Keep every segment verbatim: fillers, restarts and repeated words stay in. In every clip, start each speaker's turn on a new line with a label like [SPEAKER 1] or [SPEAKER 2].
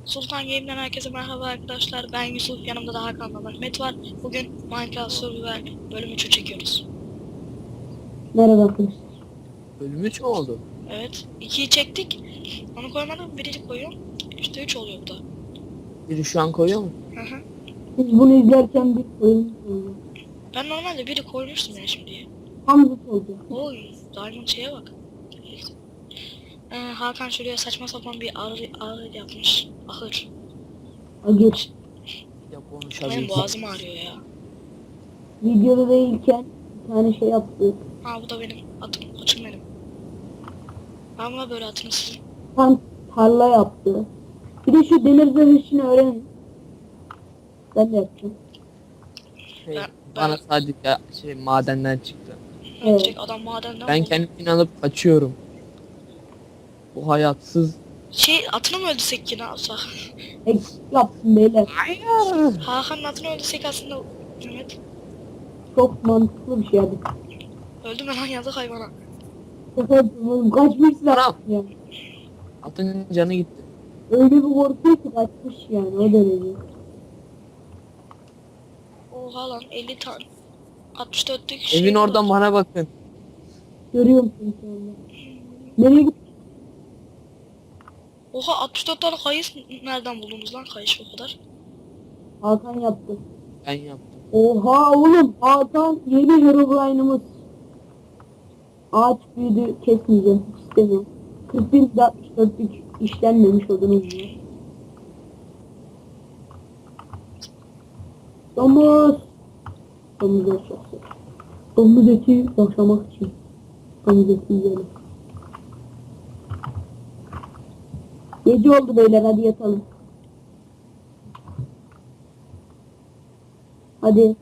[SPEAKER 1] Sultan Game'den herkese merhaba arkadaşlar. Ben Yusuf, yanımda da Hakan ve Mehmet var. Bugün Minecraft Survival bölüm üçü çekiyoruz.
[SPEAKER 2] Merhaba arkadaşlar.
[SPEAKER 3] Bölüm üç mü oldu?
[SPEAKER 1] Evet, ikiyi çektik. Onu koymadım, birini koyuyorum. İşte üç oluyor bu da.
[SPEAKER 3] Biri şu an koyuyor mu?
[SPEAKER 1] Hı hı.
[SPEAKER 2] Biz bunu izlerken bir oyun oldu.
[SPEAKER 1] Ben normalde biri koymuştum ya şimdiye.
[SPEAKER 2] Tam zıt oldu.
[SPEAKER 1] Oy, Diamond şeye bak. Ee, Hakan şuraya saçma sapan bir ahır, ahır yapmış. Ahır.
[SPEAKER 2] Agir.
[SPEAKER 3] Ya
[SPEAKER 1] Benim
[SPEAKER 3] konuşabilir.
[SPEAKER 1] boğazım ağrıyor ya.
[SPEAKER 2] Videoda değilken bir tane şey yaptık.
[SPEAKER 1] Ha bu da benim atım, koçum benim. Ben buna böyle atım sizin.
[SPEAKER 2] Tam tarla yaptı. Bir de şu demir zırh işini öğrenin. Ben de yapacağım.
[SPEAKER 3] Şey,
[SPEAKER 1] Ben-
[SPEAKER 3] bana sadece şey madenden çıktı.
[SPEAKER 2] Evet.
[SPEAKER 1] Direkt adam madenden
[SPEAKER 3] Ben
[SPEAKER 1] buldu.
[SPEAKER 3] kendimi alıp kaçıyorum. Bu hayatsız.
[SPEAKER 1] Şey atını mı öldürsek ki ne yapsak?
[SPEAKER 2] Eksik yaptım beyler.
[SPEAKER 3] Hayır.
[SPEAKER 1] Hakan'ın atını öldürsek aslında Mehmet.
[SPEAKER 2] Çok mantıklı bir şey hadi.
[SPEAKER 1] Öldü mü lan yazık hayvana.
[SPEAKER 2] Oğlum kaçmışsın
[SPEAKER 3] Anam.
[SPEAKER 2] ya.
[SPEAKER 3] Atın canı gitti.
[SPEAKER 2] Öyle bir korkuyor ki kaçmış yani o derece.
[SPEAKER 1] Oha lan elli tane. altmış dörtlük şey
[SPEAKER 3] Evin
[SPEAKER 1] var.
[SPEAKER 3] oradan bana bakın.
[SPEAKER 2] Görüyor musun şu anda? Nereye gittin?
[SPEAKER 1] Oha altmış dört tane kayıs nereden buldunuz lan kayış o kadar?
[SPEAKER 2] Hakan yaptı.
[SPEAKER 3] Ben yaptım.
[SPEAKER 2] Oha oğlum Hakan yeni Herobrine'ımız. Ağaç büyüdü kesmeyeceğim hiç istemiyorum. kırk bir altmış dörtlük işlenmemiş odunuz diyor. Domuz. Domuz aşağısı. Domuz eti yaşamak için. Domuz eti yiyelim. Gece oldu beyler hadi yatalım. Hadi.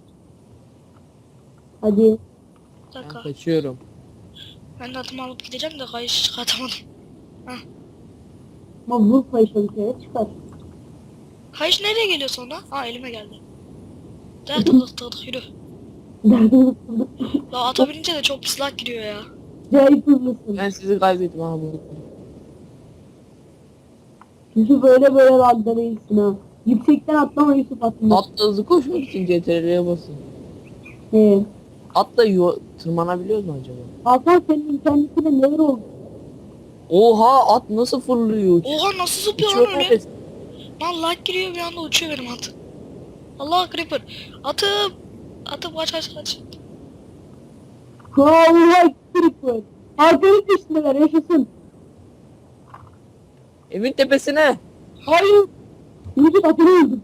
[SPEAKER 2] Hadi.
[SPEAKER 1] Bir
[SPEAKER 3] Ben
[SPEAKER 1] dakika.
[SPEAKER 3] kaçıyorum.
[SPEAKER 1] Ben de atımı alıp gideceğim de kayış çıkartamadım.
[SPEAKER 2] Ama vur payışa bir kere çıkar.
[SPEAKER 1] Kayış nereye geliyor sonra? Aa elime geldi. Der tıklık tıklık yürü.
[SPEAKER 2] Derdimiz kıldık.
[SPEAKER 1] La ata binince de çok pis lag giriyor ya.
[SPEAKER 2] Cahil kızlısın.
[SPEAKER 3] Ben sizi kaybettim ha bu.
[SPEAKER 2] Yusuf öyle böyle lagda değilsin ha. Yüksekten atlama Yusuf atlama.
[SPEAKER 3] Atla hızlı koşmak için C T R'ye basın.
[SPEAKER 2] He.
[SPEAKER 3] Atla yo tırmanabiliyoruz mu acaba?
[SPEAKER 2] Hakan senin internetine neler oldu?
[SPEAKER 3] Oha at nasıl fırlıyor?
[SPEAKER 1] Oha nasıl zıplıyor
[SPEAKER 3] Uçuyor
[SPEAKER 1] lan öyle?
[SPEAKER 3] neredeyse.
[SPEAKER 1] Lan lag giriyor bir anda uçuyor benim at. Allah creeper. Atım. Atım kaç kaç kaç.
[SPEAKER 2] Allah kırık. Hakan'ın peşindeler yaşasın.
[SPEAKER 3] Evin tepesine.
[SPEAKER 2] Hayır. Yusuf atını öldüm.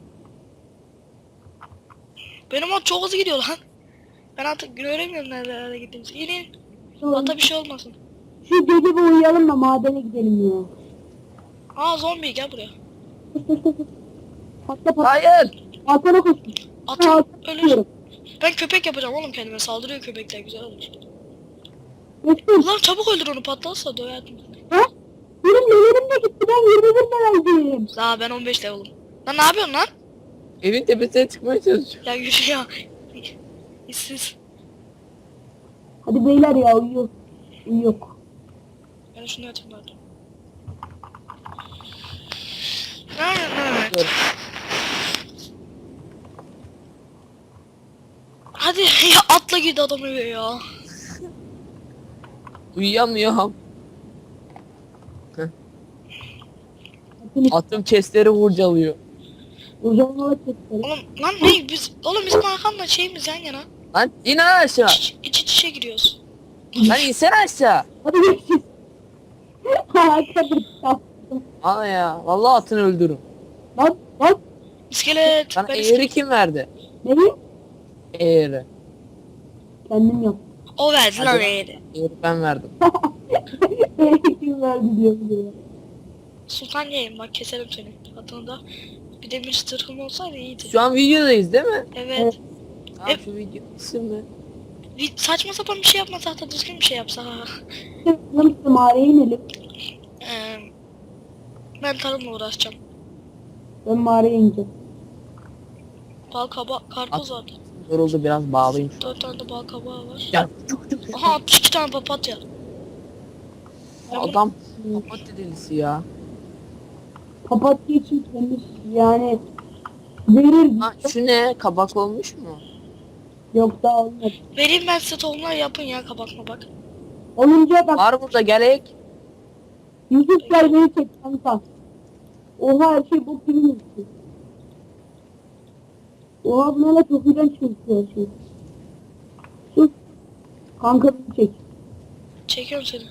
[SPEAKER 1] Benim at çok hızlı gidiyor lan. Ben artık göremiyorum nerelere gittiğimizi. İnin. Ata bir şey olmasın.
[SPEAKER 2] Şu gece bir uyuyalım da madene gidelim ya.
[SPEAKER 1] Aa zombi gel buraya.
[SPEAKER 2] Koş koş koş. koş. Patla patla.
[SPEAKER 3] Hayır.
[SPEAKER 2] Hakan'a koş.
[SPEAKER 1] Atım
[SPEAKER 2] Hakan
[SPEAKER 1] ölür.
[SPEAKER 2] tutuyorum.
[SPEAKER 1] Ben köpek yapacağım oğlum kendime. Saldırıyor köpekler güzel olur.
[SPEAKER 2] Geçtim.
[SPEAKER 1] Ulan çabuk öldür onu patlarsa döverdim.
[SPEAKER 2] Ha? Benim nelerim de gitti. Ben yirmi bir leveldim.
[SPEAKER 1] Daha ben on beş level'ım. Lan ne yapıyorsun lan?
[SPEAKER 3] Evin tepesine çıkmaya çalışıyorum.
[SPEAKER 1] Ya yürü ya. İşsiz.
[SPEAKER 2] Hadi beyler ya uyuyor. Uyuyor.
[SPEAKER 1] Ben şunu atayım bari. Evet.
[SPEAKER 3] Dur.
[SPEAKER 1] Hadi ya atla girdi adam eve ya.
[SPEAKER 3] Uyuyamıyorum.
[SPEAKER 2] Atını
[SPEAKER 3] Atım chestleri vurcalıyor.
[SPEAKER 2] uzanmalı çektiler.
[SPEAKER 1] Oğlum lan ne biz oğlum bizim Hakan'la şeyimiz yan yana.
[SPEAKER 3] Lan in aşağı.
[SPEAKER 1] İç, iç içe giriyoruz.
[SPEAKER 3] Lan insene aşağı.
[SPEAKER 2] Hadi görüşürüz. Hakan bir yaptım.
[SPEAKER 3] Ana ya. Vallahi atını öldürürüm.
[SPEAKER 2] Lan lan.
[SPEAKER 1] İskelet.
[SPEAKER 3] Sana
[SPEAKER 1] Ben
[SPEAKER 3] eğri
[SPEAKER 1] iskelet.
[SPEAKER 3] kim verdi?
[SPEAKER 2] Neyi?
[SPEAKER 3] Eğri.
[SPEAKER 2] Kendim yaptım.
[SPEAKER 1] O verdi lan
[SPEAKER 3] Hadi.
[SPEAKER 1] eğri.
[SPEAKER 3] Eğri ben verdim.
[SPEAKER 2] Kim verdi diyor bir de.
[SPEAKER 1] Sultan yiyeyim bak keserim seni. Adını da. Bir de bir tırhım olsaydı iyiydi.
[SPEAKER 3] Şu an videodayız değil mi?
[SPEAKER 1] Evet.
[SPEAKER 3] Tamam şu video isim ne?
[SPEAKER 1] Bir saçma sapan bir şey yapmasak da düzgün bir şey yapsak. ha.
[SPEAKER 2] Lan işte mağaraya inelim.
[SPEAKER 1] Ee, ben tarımla uğraşacağım.
[SPEAKER 2] Ben mağaraya ineceğim.
[SPEAKER 1] Bal kaba karpuz var.
[SPEAKER 3] Yoruldu biraz bağlayayım.
[SPEAKER 1] Dört tane de bal kabağı var.
[SPEAKER 3] Ya çok çok
[SPEAKER 1] Aha altmış iki tane papatya. Ben bunu-
[SPEAKER 3] adam papatya delisi ya.
[SPEAKER 2] Papatya için temiz yani verir.
[SPEAKER 3] Ha, şu ne? Kabak olmuş mu?
[SPEAKER 2] Yok daha olmadı.
[SPEAKER 1] Vereyim ben size tohumlar yapın ya kabak bak.
[SPEAKER 2] Olunca bak
[SPEAKER 3] Var burada gerek.
[SPEAKER 2] Yusuf gel beni çek kanka. Oha her şey bok gibi gözüküyor. Oha bu ne la çok iğrenç gözüküyor her şey. Sus. Kanka beni çek.
[SPEAKER 1] Çekiyorum seni.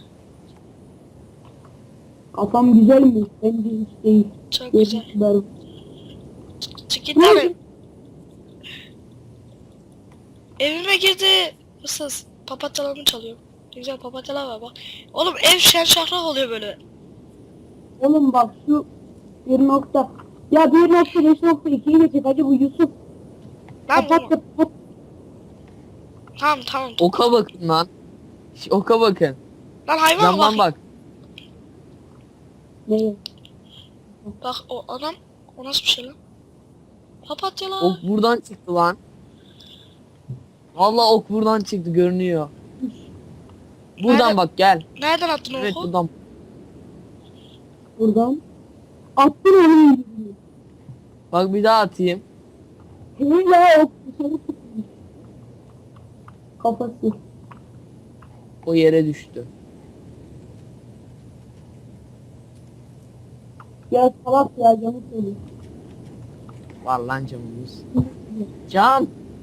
[SPEAKER 2] Kafam güzel mi? Bence hiç değil.
[SPEAKER 1] Çok güzel.
[SPEAKER 2] Görüntüler.
[SPEAKER 1] Çık git lan. ev- Evime girdi. Hırsız. Papatyalarımı çalıyor. Ne güzel papatyalar var bak. Oğlum ev şen şahrak oluyor böyle.
[SPEAKER 2] Oğlum bak şu bir nokta. Ya bir nokta beş nokta ikiyi de çek hacı bu Yusuf.
[SPEAKER 1] Lan
[SPEAKER 2] Kapat
[SPEAKER 1] vurma.
[SPEAKER 2] kapat.
[SPEAKER 1] Tamam tamam.
[SPEAKER 3] Oka bakın lan. Şş, Oka bakın.
[SPEAKER 1] Lan hayvan
[SPEAKER 3] Camdan
[SPEAKER 1] bak.
[SPEAKER 3] bak.
[SPEAKER 2] Neye?
[SPEAKER 1] Bak o adam. O nasıl bir şey lan? Papatyalar.
[SPEAKER 3] Ok buradan çıktı lan. Vallahi ok buradan çıktı görünüyor. Buradan
[SPEAKER 1] Nerede?
[SPEAKER 3] bak gel.
[SPEAKER 1] Nereden attın
[SPEAKER 3] Evet
[SPEAKER 1] oku?
[SPEAKER 3] buradan.
[SPEAKER 2] Buradan. Attın onun yüzünü.
[SPEAKER 3] Bak bir daha atayım.
[SPEAKER 2] Hey ya o dışarı çıkmış. Kafası.
[SPEAKER 3] O yere düştü.
[SPEAKER 2] Ya salak ya camı söylüyor.
[SPEAKER 3] Var lan camımız. Cam.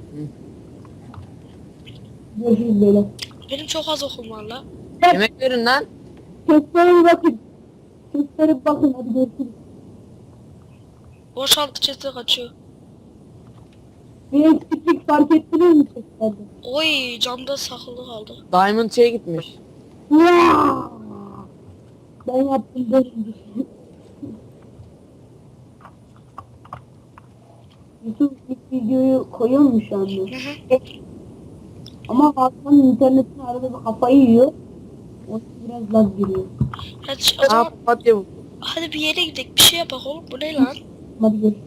[SPEAKER 2] Görüşürüz böyle.
[SPEAKER 1] Benim çok az okum var la.
[SPEAKER 3] Yemek verin lan.
[SPEAKER 2] Kestlere bir bakın. Kestlere bir bakın hadi görüşürüz.
[SPEAKER 1] Boşaltı çete kaçıyor.
[SPEAKER 2] Bir eksiklik fark ettiniz mi kestlerde?
[SPEAKER 1] Oy camda saklı kaldı.
[SPEAKER 3] Diamond şeye gitmiş.
[SPEAKER 2] Ya! Ben yaptım derim. Yusuf ilk videoyu koyuyor mu şu anda?
[SPEAKER 1] Hı hı.
[SPEAKER 2] Ama Hakan'ın internetini arada bir kafayı yiyor. O biraz lag giriyor.
[SPEAKER 1] Hadi o
[SPEAKER 3] Aa
[SPEAKER 1] zaman
[SPEAKER 3] papatya bu.
[SPEAKER 1] hadi bir yere gidelim bir şey yapak oğlum. Bu ne lan?
[SPEAKER 2] Hadi görüşürüz.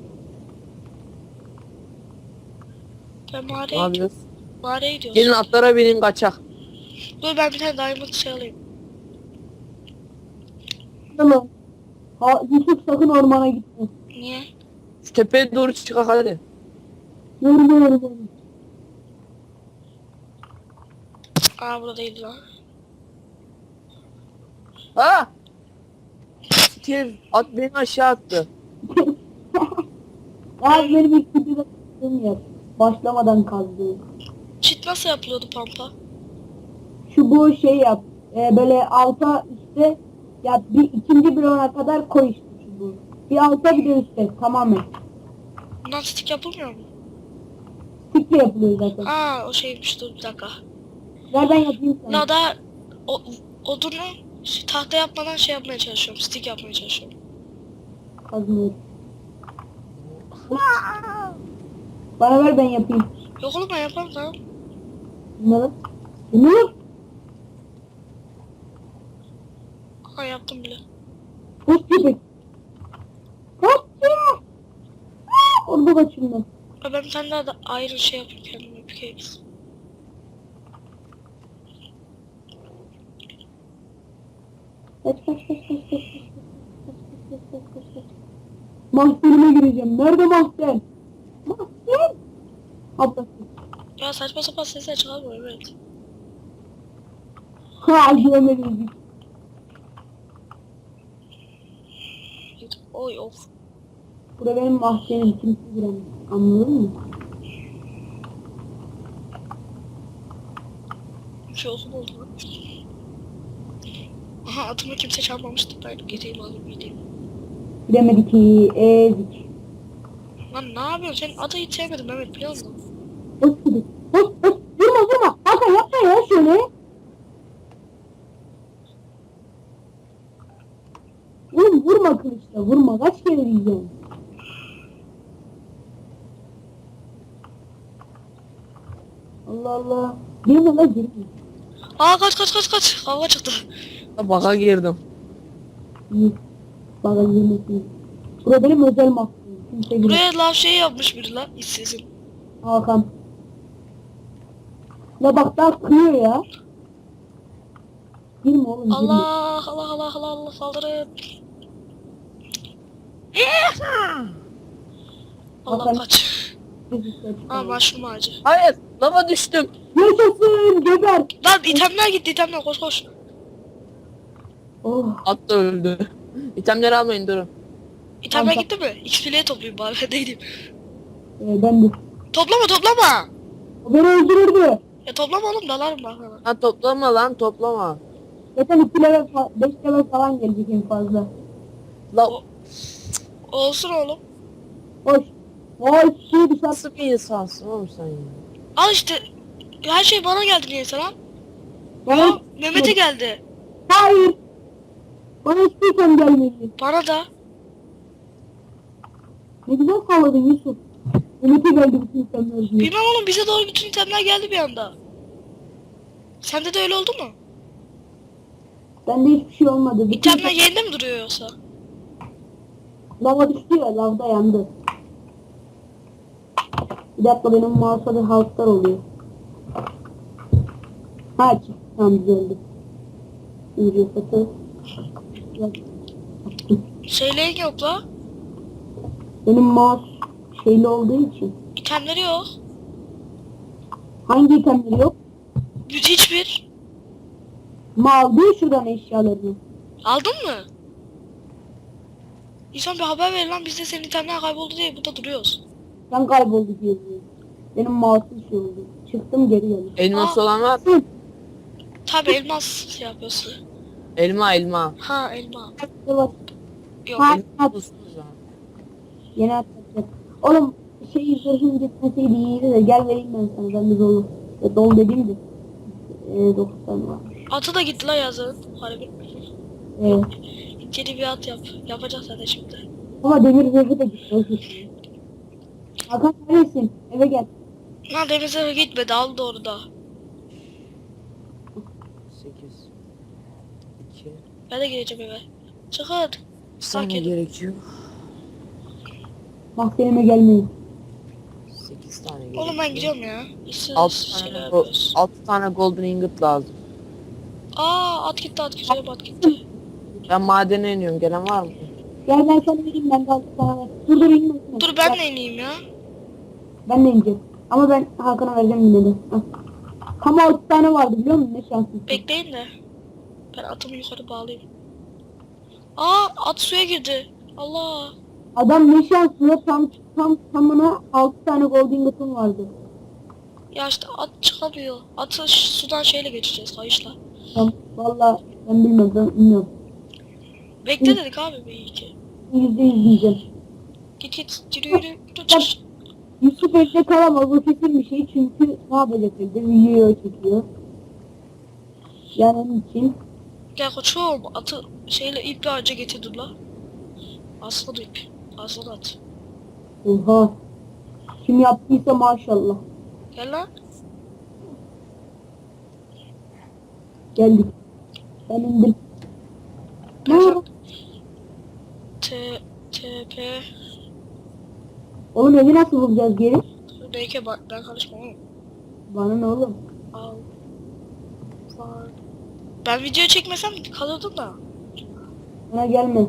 [SPEAKER 1] Ben
[SPEAKER 3] Ne
[SPEAKER 1] mağaraya gidiyorum.
[SPEAKER 3] yapıyoruz?
[SPEAKER 1] Mağaraya gidiyoruz.
[SPEAKER 3] Gelin atlara binin kaçak.
[SPEAKER 1] Dur ben bir tane diamond şey alayım.
[SPEAKER 2] Tamam. Ha, Yusuf sakın ormana gitme.
[SPEAKER 1] Niye?
[SPEAKER 3] Şu tepeye doğru çıkak hadi.
[SPEAKER 2] Yorma yorma.
[SPEAKER 1] Aa burada değil lan.
[SPEAKER 3] Ha! Sikir at beni aşağı attı.
[SPEAKER 2] Ya benim ilk videoda kazdığım yer. Başlamadan kazdığım.
[SPEAKER 1] Çit nasıl yapılıyordu pampa?
[SPEAKER 2] Şu bu şey yap. E, böyle alta üstte ya bir ikinci bloğuna kadar koy işte şu bu. Bir alta bir de üstte tamamen.
[SPEAKER 1] Bundan stick yapılmıyor mu?
[SPEAKER 2] Stickle yapılıyor zaten.
[SPEAKER 1] Aa o şeymiş dur bir dakika.
[SPEAKER 2] Ver ben yapayım sana.
[SPEAKER 1] La da o, odunu şey, tahta yapmadan şey yapmaya çalışıyorum. Stick yapmaya çalışıyorum.
[SPEAKER 2] Kazmıyorum. Bana ver ben yapayım.
[SPEAKER 1] Yok oğlum ben yaparım tamam.
[SPEAKER 2] Bunları. Bunları.
[SPEAKER 1] Aa yaptım bile.
[SPEAKER 2] Hoş köpek. Kaçıyor. Aa, orada kaçayım ben.
[SPEAKER 1] Aa, ben bir tane daha da ayrı şey yapayım kendime pickaxe.
[SPEAKER 2] Kaç kaç kaç kaç kaç kaç kaç kaç kaç kaç kaç. Mahzenime gireceğim. Nerede mahzen? Mahzen. Ablası.
[SPEAKER 1] Ya saçma sapan sesler çıkarmıyor evet.
[SPEAKER 2] Ha görmedim.
[SPEAKER 1] Oy of.
[SPEAKER 2] Burada benim mahzenim kimse giremez. Anladın mı?
[SPEAKER 1] Bir şey olsun oldu lan. Aha atımı kimse çalmamıştı. Ben gideyim alayım gideyim.
[SPEAKER 2] Giremedik ki. Ezik.
[SPEAKER 1] Lan ne yapıyorsun? Senin adı hiç sevmedim Mehmet biliyor musun?
[SPEAKER 2] Hoş köpek. Hoş hoş. Vurma vurma. Hakan yapma ya şöyle. Oğlum vurma kılıçla vurma. Kaç kere diyeceğim. Allah Allah. Girme la girme.
[SPEAKER 1] Aa kaç kaç kaç kaç. Kavga çıktı.
[SPEAKER 3] Baka girdim.
[SPEAKER 2] İyi. Bana girmesin. Burada benim özel mahkum. Kimse girmez.
[SPEAKER 1] Buraya lav şey yapmış biri lan. İşsizim.
[SPEAKER 2] Hakan. La bak daha kıyıyor ya. Girme oğlum girme.
[SPEAKER 1] Allah Allah Allah Allah Allah saldırın. Allah
[SPEAKER 2] Hakan-
[SPEAKER 1] kaç.
[SPEAKER 2] Bizi seç.
[SPEAKER 1] Aa mushroom ağacı.
[SPEAKER 3] Hayır, lava düştüm.
[SPEAKER 2] Yaşasın geber.
[SPEAKER 1] Lan itemler gitti itemler koş koş.
[SPEAKER 2] Oh.
[SPEAKER 3] At da öldü. İtemleri almayın, durun.
[SPEAKER 1] İtemler
[SPEAKER 2] Tamam,
[SPEAKER 1] gitti mi? X P'liye toplayayım bari ben de gideyim.
[SPEAKER 2] Ee, ben de.
[SPEAKER 1] Toplama toplama.
[SPEAKER 2] O beni öldürürdü.
[SPEAKER 1] Ya toplama oğlum dalarım bak sana.
[SPEAKER 3] Lan toplama lan, toplama.
[SPEAKER 2] Zaten iki level, beş level falan gelecek en fazla.
[SPEAKER 3] La
[SPEAKER 1] O- Olsun oğlum.
[SPEAKER 2] Hoş. Hoş. Şey dışarı.
[SPEAKER 3] nasıl bir insansın oğlum sen ya?
[SPEAKER 1] Al işte. Her şey bana geldi niyeyse lan.
[SPEAKER 2] Bana,
[SPEAKER 1] Aa, Mehmet'e geldi.
[SPEAKER 2] hayır. Bana hiçbir item gelmedi.
[SPEAKER 1] Bana da.
[SPEAKER 2] Ne güzel salladın Yusuf. Ümit'e geldi bütün itemler diye.
[SPEAKER 1] Bilmem oğlum bize doğru bütün itemler geldi bir anda. Sende de öyle oldu mu?
[SPEAKER 2] Bende hiçbir şey olmadı. Bütün
[SPEAKER 1] İtemler yerinde mi duruyor yoksa?
[SPEAKER 2] lava düştü ya, lavda yandı. Bir dakika, benim mouse'a bir halklar oluyor. Ha çıktı, tamam düzeldi. Şimdi satı.
[SPEAKER 1] Şeylerin yok la.
[SPEAKER 2] Benim mouse şeyli olduğu için.
[SPEAKER 1] İtemleri yok.
[SPEAKER 2] Hangi itemleri yok?
[SPEAKER 1] Hiçbir.
[SPEAKER 2] Ma aldı ya şuradan eşyalarını.
[SPEAKER 1] Aldın mı? İnsan bir haber ver lan biz de senin itemler kayboldu diye burada duruyoruz.
[SPEAKER 2] Sen kayboldu diye diyor. Benim mouse'um şey oldu. Çıktım geri geldim.
[SPEAKER 3] Elmas
[SPEAKER 1] Aa.
[SPEAKER 3] olan var.
[SPEAKER 2] Hı.
[SPEAKER 1] Tabi elmas şey yapıyorsun.
[SPEAKER 3] Elma elma.
[SPEAKER 1] Ha elma.
[SPEAKER 2] Bak,
[SPEAKER 1] Yok.
[SPEAKER 2] Ha.
[SPEAKER 3] Elma bulsunuz ha.
[SPEAKER 2] yeni atacak. Oğlum şey zırhım gitmeseydi iyiydi de gel vereyim ben sana. Ben de dolu. Ya dolu dediğim de. Eee dokuz tane varmış.
[SPEAKER 1] Atı da gitti la yazın. Harbi.
[SPEAKER 2] Evet.
[SPEAKER 1] İnceli bir at yap. Yapacağız zaten şimdi.
[SPEAKER 2] Ama demir zırhı da gitti. O gitti. Hakan neredesin? Eve gel.
[SPEAKER 1] Lan denize gitmedi aldı orada.
[SPEAKER 3] sekiz. iki.
[SPEAKER 1] Ben de gireceğim eve. Çıkın.
[SPEAKER 3] Bir saniye
[SPEAKER 1] Sakin.
[SPEAKER 3] gerekiyor.
[SPEAKER 2] Mahzenime gelmeyin.
[SPEAKER 3] sekiz tane gerekiyor.
[SPEAKER 1] Oğlum ben gidiyorum ya. İşsiz
[SPEAKER 3] altı
[SPEAKER 1] şeyler
[SPEAKER 3] tane,
[SPEAKER 1] yapıyoruz.
[SPEAKER 3] altı tane golden ingot lazım.
[SPEAKER 1] Aa at gitti at gitti at gitti.
[SPEAKER 3] Ben madene iniyorum. Gelen var mı?
[SPEAKER 2] Gel ben sana vereyim, ben de altı tane var. Dur dur inme. inme.
[SPEAKER 1] Dur ben
[SPEAKER 2] Gel,
[SPEAKER 1] de ineyim ya.
[SPEAKER 2] Ben de ineceğim. Ama ben Hakan'a vereceğim yine de. Hah. Ama altı tane vardı biliyor musun? Ne şanslısın.
[SPEAKER 1] Bekleyin de. Ben atımı yukarı bağlayayım. Aa at suya girdi. Allah.
[SPEAKER 2] Adam ne şanslı, tam tam tamına altı tane golden ingotum vardı.
[SPEAKER 1] Ya işte at çıkamıyor. Atı ş- sudan şeyle geçeceğiz kayışla.
[SPEAKER 2] Tam valla ben bilmiyorum, ben bilmiyorum.
[SPEAKER 1] Bekle dedik abi bir iyi ki.
[SPEAKER 2] Yüzde yüz diyeceğim.
[SPEAKER 1] Git git yürü yürü. Yürü, çık.
[SPEAKER 2] Yusuf evde kalamaz, bu kesin bir şey çünkü ne yapacak evde, video çekiyor. Yani onun için
[SPEAKER 1] Gel koçum atı şeyle iple ağaca getirdim la. Aslan ip. Aslan at.
[SPEAKER 2] oha. Kim yaptıysa maşallah.
[SPEAKER 1] Gel lan.
[SPEAKER 2] Geldik. Ben indim. Ne
[SPEAKER 1] Gel
[SPEAKER 2] oldu?
[SPEAKER 1] lan. T T P
[SPEAKER 2] Oğlum evi nasıl bulacağız geri?
[SPEAKER 1] Neyke bak ben karışmam oğlum.
[SPEAKER 2] Bana ne oğlum?
[SPEAKER 1] Al. Var. Ben video çekmesem kalırdım da.
[SPEAKER 2] Bana gelme.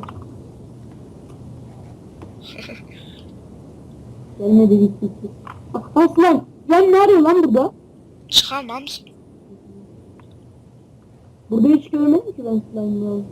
[SPEAKER 2] Gelme dedik gitti. Ah, Aslan. Sen ne arıyor lan burada?
[SPEAKER 1] Çıkarmam mısın?
[SPEAKER 2] Burada hiç görmedim ki ben slime'ı.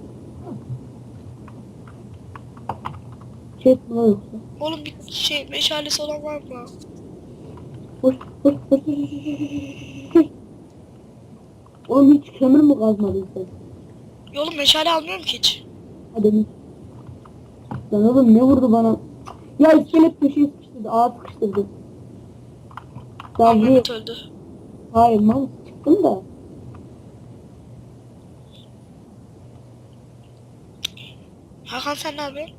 [SPEAKER 2] Çek mi lan yoksa?
[SPEAKER 1] Oğlum bir şey meşalesi olan var mı?
[SPEAKER 2] Hoş hoş hoş hoş hoş hoş hoş. Oğlum hiç kömür mü kazmadın sen?
[SPEAKER 1] Oğlum meşale almıyorum ki hiç.
[SPEAKER 2] Hadi mi? Lan oğlum ne vurdu bana? Ya iskelet köşeye sıkıştırdı, ağa sıkıştırdı. Davriye.
[SPEAKER 1] Ahmet öldü.
[SPEAKER 2] Hayır mal çıktım da.
[SPEAKER 1] Hakan sen ne yapıyorsun?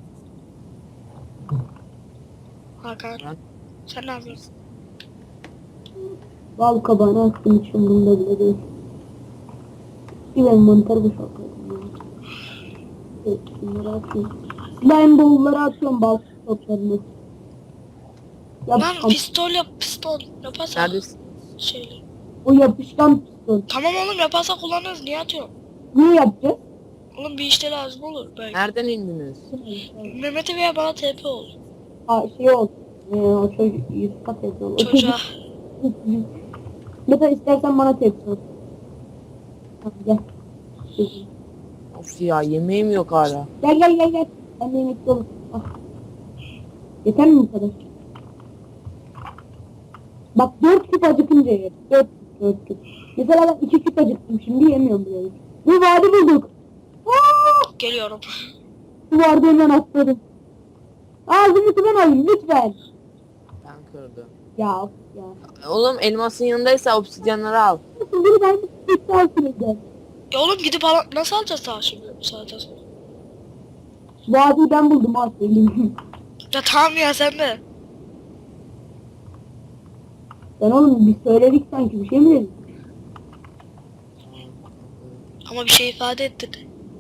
[SPEAKER 1] Hakan
[SPEAKER 3] Ben-
[SPEAKER 1] sen ne yapıyorsun?
[SPEAKER 2] Bal kabağını attım, hiç umurumda bile değil. Bir ben mantar boşaltıyorum ya. Evet, bunları atıyorum. Slime bowl'ları atıyorum, bal toplarını. Yap,
[SPEAKER 1] Lan
[SPEAKER 2] am-
[SPEAKER 1] pistol yap pistol yaparsak
[SPEAKER 3] Neredesin?
[SPEAKER 1] şeyle.
[SPEAKER 2] o yapışkan piston.
[SPEAKER 1] Tamam oğlum yaparsak kullanırız niye atıyorsun?
[SPEAKER 2] Niye yapacağız?
[SPEAKER 1] Oğlum bir işte lazım olur belki.
[SPEAKER 3] Nereden indiniz?
[SPEAKER 1] Mehmet'e veya bana T P ol.
[SPEAKER 2] Ha şey oldu. Ee, o çocuk Yusuf'a tepki oldu.
[SPEAKER 1] Çocuğa.
[SPEAKER 2] Mesela istersen bana tepki ol. Tamam gel.
[SPEAKER 3] Of ya, yemeğim yok hala.
[SPEAKER 2] Gel gel gel gel. Ben de yemekli olur. Ah. Yeter mi bu kadar? Bak dört küp acıkınca ye. Dört, dört küp. Mesela ben iki küp acıktım şimdi yemiyorum bile. Bir vadi bulduk. Aa!
[SPEAKER 1] Geliyorum.
[SPEAKER 2] Bu vardı hemen atladım. Ağzını ben alayım lütfen.
[SPEAKER 3] Ben kırdım.
[SPEAKER 2] Ya of ya.
[SPEAKER 3] Oğlum elmasın yanındaysa obsidyenleri al.
[SPEAKER 2] Nasıl biri ben bir sağ sürede.
[SPEAKER 1] Ya oğlum gidip ala- nasıl alacağız daha şimdi bu saatten sonra?
[SPEAKER 2] Vadiyi ben buldum ha söyleyeyim.
[SPEAKER 1] Ya tamam ya sen de.
[SPEAKER 2] Ben oğlum bir söyledik sanki bir şey mi dedik?
[SPEAKER 1] Ama bir şey ifade ettin.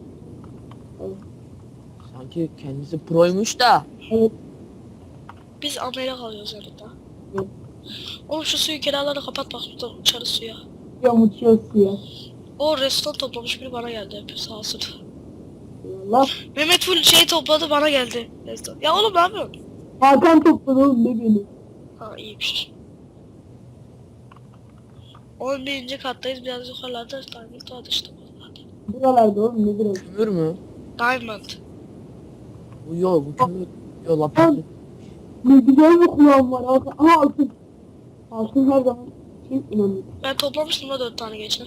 [SPEAKER 3] Sanki kendisi proymuş da.
[SPEAKER 2] Evet.
[SPEAKER 1] Biz amele kalıyoruz yanında.
[SPEAKER 2] Evet.
[SPEAKER 1] Oğlum şu suyu kenarlarını kapat bak burada uçarı suya.
[SPEAKER 2] Uçuyor uçuyor suya.
[SPEAKER 1] O restoran toplamış biri bana geldi hep sağ olsun.
[SPEAKER 2] Allah.
[SPEAKER 1] Mehmet full şey topladı bana geldi. Restoran. Ya oğlum ne yapıyorsun?
[SPEAKER 2] Hakan topladı oğlum ne beni.
[SPEAKER 1] Ha iyiymiş. on birinci kattayız biraz yukarılarda Diamond vardı işte.
[SPEAKER 2] Buralarda oğlum ne biraz.
[SPEAKER 3] Kömür mü?
[SPEAKER 1] Diamond.
[SPEAKER 3] Bu yok, bu kömür. Yok, lapis.
[SPEAKER 2] Ne güzel bir kulağım var. Hakan. Aha altın. Altın her zaman için önemli.
[SPEAKER 1] Ben toplamıştım da dört tane geçen.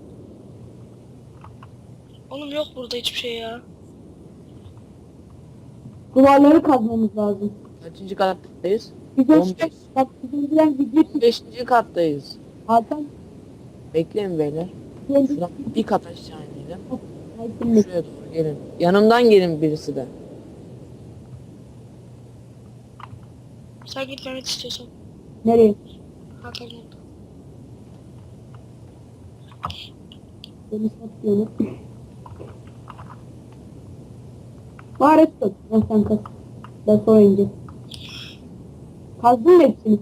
[SPEAKER 1] Oğlum yok burada hiçbir şey ya.
[SPEAKER 2] Duvarları kazmamız lazım.
[SPEAKER 3] Kaçıncı kattayız?
[SPEAKER 2] Bize
[SPEAKER 3] on
[SPEAKER 2] işte
[SPEAKER 3] beş.
[SPEAKER 2] bak bizim bilen video çık.
[SPEAKER 3] beşinci kattayız.
[SPEAKER 2] Hakan.
[SPEAKER 3] Bekleyin beyler.
[SPEAKER 2] Kendi
[SPEAKER 3] Şuradan bir kat aşağı inelim.
[SPEAKER 2] Hakan'la.
[SPEAKER 3] Şuraya doğru gelin. Yanımdan gelin birisi de.
[SPEAKER 1] Sen git Mehmet istiyorsan.
[SPEAKER 2] Nereye?
[SPEAKER 1] Hakan yanında.
[SPEAKER 2] Beni satıyorsun. Var tut. Ben sen kaz. Ben sonra ineceğim. Kazdın mı hepsini?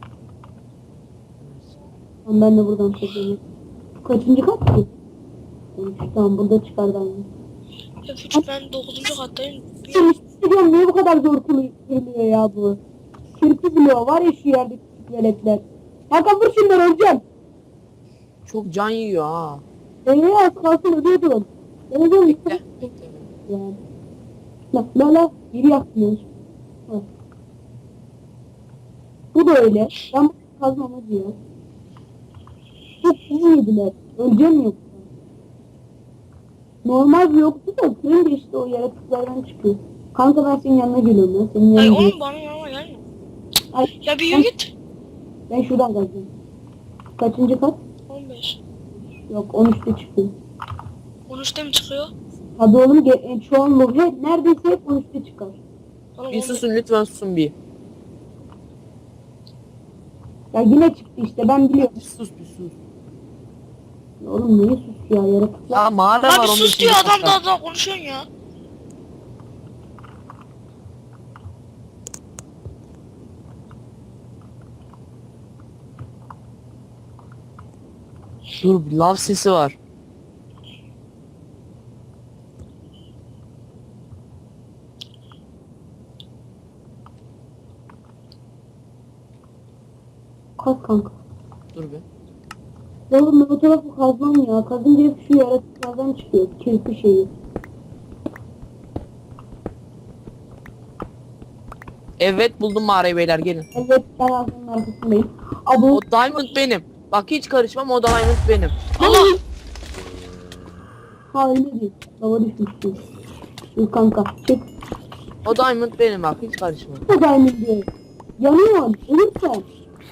[SPEAKER 2] Tamam ben de buradan çekeyim. Kaçıncı kat ki? on üç, tamam burada çıkar ben.
[SPEAKER 1] Ya küçük ben dokuzuncu kattayım. Bir-
[SPEAKER 2] Biliyorum niye bu kadar zor kılıyor ya bu? Kirpi biliyor var ya şu yerde küçük veletler. Hakan vur şunları öleceğim.
[SPEAKER 3] Çok can yiyor ha.
[SPEAKER 2] Eee az kalsın ödüyordun. Öleceğim.
[SPEAKER 3] Bekle. Bekle.
[SPEAKER 2] Yani. La la la biri yakmıyor. Ha. Bu da öyle. Ben bu kazmam diyor. Çok iyi yediler. Öleceğim yoksa. Normal bir yoktu da kırınca işte o yaratıklardan çıkıyor. Kanka ben senin yanına geliyorum ya. Senin
[SPEAKER 1] Ay
[SPEAKER 2] yanına
[SPEAKER 1] oğlum bana yanıma gelme.
[SPEAKER 2] Ay,
[SPEAKER 1] Ya bir yürü git.
[SPEAKER 2] ben şuradan kazacağım. Kaçıncı kat?
[SPEAKER 1] on beş.
[SPEAKER 2] Yok on üçte çıkıyor.
[SPEAKER 1] on üçte mi çıkıyor?
[SPEAKER 2] Hadi oğlum ge- e, çoğunluğu hep neredeyse hep on üçte çıkar.
[SPEAKER 1] Oğlum,
[SPEAKER 3] Bir
[SPEAKER 1] on-
[SPEAKER 3] susun lütfen, susun bir.
[SPEAKER 2] Ya yine çıktı işte ben biliyorum.
[SPEAKER 3] Bir sus bir sus.
[SPEAKER 2] Oğlum niye sus ya yaratıklar.
[SPEAKER 3] Ya mağara var
[SPEAKER 1] Abi
[SPEAKER 3] on
[SPEAKER 1] sus
[SPEAKER 3] beşinci
[SPEAKER 1] diyor adam
[SPEAKER 3] katta.
[SPEAKER 1] daha daha konuşuyorsun ya.
[SPEAKER 3] Dur, bir lav sesi var.
[SPEAKER 2] Kaz kanka.
[SPEAKER 3] Dur be.
[SPEAKER 2] Oğlum ben o tarafı kazmam ya. Kazınca hep şu yaratıklardan çıkıyor. Kirpi şeyi.
[SPEAKER 3] Evet, buldum mağarayı beyler, gelin.
[SPEAKER 2] Evet ben ağzının arkasındayım. Abi
[SPEAKER 3] O diamond benim. Bak hiç karışmam, o diamond benim.
[SPEAKER 1] Allah!
[SPEAKER 2] ha öyle değil. Lava düşmüştü. Dur kanka çık.
[SPEAKER 3] O diamond benim, bak hiç karışma.
[SPEAKER 2] Bu diamond diyor. Yanıyor. Ölürsen.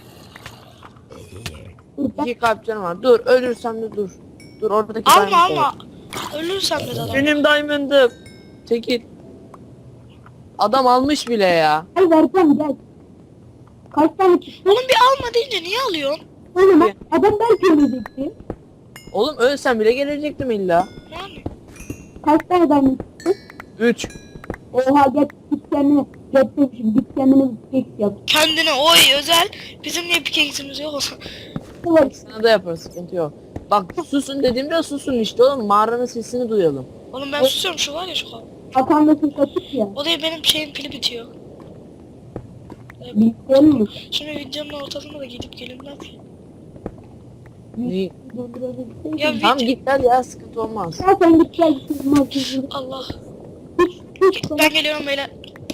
[SPEAKER 2] Dur ben.
[SPEAKER 3] İki kalp canım var. Dur, ölürsem de dur. Dur, oradaki
[SPEAKER 1] Alma
[SPEAKER 3] diamond
[SPEAKER 1] alma. Ölürsem de adam.
[SPEAKER 3] benim diamond'ım. Çekil. Adam almış bile ya.
[SPEAKER 2] Gel vereceğim gel. Kaç tane çıktı?
[SPEAKER 1] Oğlum bir alma deyince niye alıyorsun?
[SPEAKER 2] Oğlum adam belki ölecekti.
[SPEAKER 3] Oğlum ölsem bile gelecektim illa.
[SPEAKER 1] Yani.
[SPEAKER 2] Kaç tane diamond çıktı?
[SPEAKER 3] Üç.
[SPEAKER 2] Oha git git kendine. Git demişim git kendine bir kek yap.
[SPEAKER 1] Kendine oy özel. Bizim niye pikeksimiz yok olsa.
[SPEAKER 2] Var.
[SPEAKER 3] Sana da yaparız, sıkıntı yok. Bak susun dediğimde susun işte oğlum, mağaranın sesini duyalım.
[SPEAKER 1] Oğlum ben susuyorum, şu var ya şu an.
[SPEAKER 2] Hakan da ses açık ya.
[SPEAKER 1] O da benim şeyin pili bitiyor.
[SPEAKER 2] Bilgisayarın mı?
[SPEAKER 1] Şimdi videonun ortasında da gidip gelinmez ki.
[SPEAKER 3] Ne?
[SPEAKER 2] Durdurabilseydim.
[SPEAKER 1] Ya
[SPEAKER 3] Tamam
[SPEAKER 1] video...
[SPEAKER 3] git gel ya sıkıntı olmaz.
[SPEAKER 2] Ya sen git gel. Sızmaz sızmaz.
[SPEAKER 1] Allah.
[SPEAKER 2] Hiç hiç
[SPEAKER 1] Ben geliyorum beyler.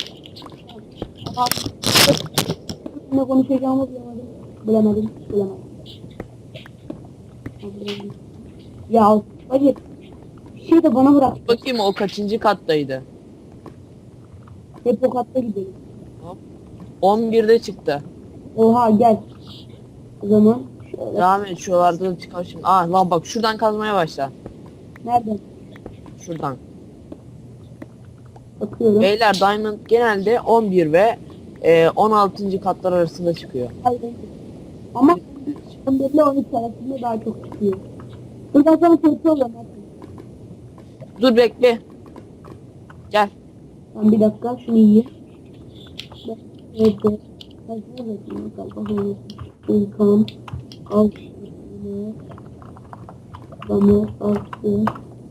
[SPEAKER 2] ne konuşacağımı bilemedim. Bilemedim. Bilemedim. Bilemedim. Ya hadi. Bir şey de bana bırak.
[SPEAKER 3] Bakayım o kaçıncı kattaydı.
[SPEAKER 2] Hep o katta gidelim.
[SPEAKER 3] on birde çıktı.
[SPEAKER 2] Oha gel. O zaman şöyle.
[SPEAKER 3] Devam et şuralarda da çıkar şimdi. Aa lan bak şuradan kazmaya başla.
[SPEAKER 2] Nereden?
[SPEAKER 3] Şuradan.
[SPEAKER 2] Bakıyorum.
[SPEAKER 3] Beyler Diamond genelde on bir ve e, on altıncı katlar arasında çıkıyor.
[SPEAKER 2] Hayır. Ama on bir ile on üç arasında daha çok çıkıyor. Buradan sonra kötü oluyor.
[SPEAKER 3] Dur bekle. Gel.
[SPEAKER 2] Ben bir dakika şunu yiyeyim. Ben evde. Ben şunu galiba. İlkan. Altı. Bana altı.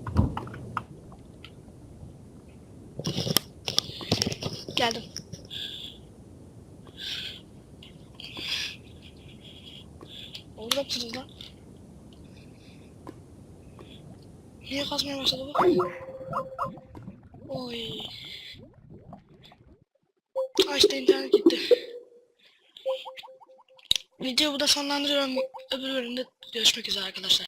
[SPEAKER 1] Geldim. Orada mısınız lan? Niye kasmaya başladı bu? Oy. Aa işte internet gitti. Videoyu burada sonlandırıyorum. Öbür bölümde görüşmek üzere arkadaşlar.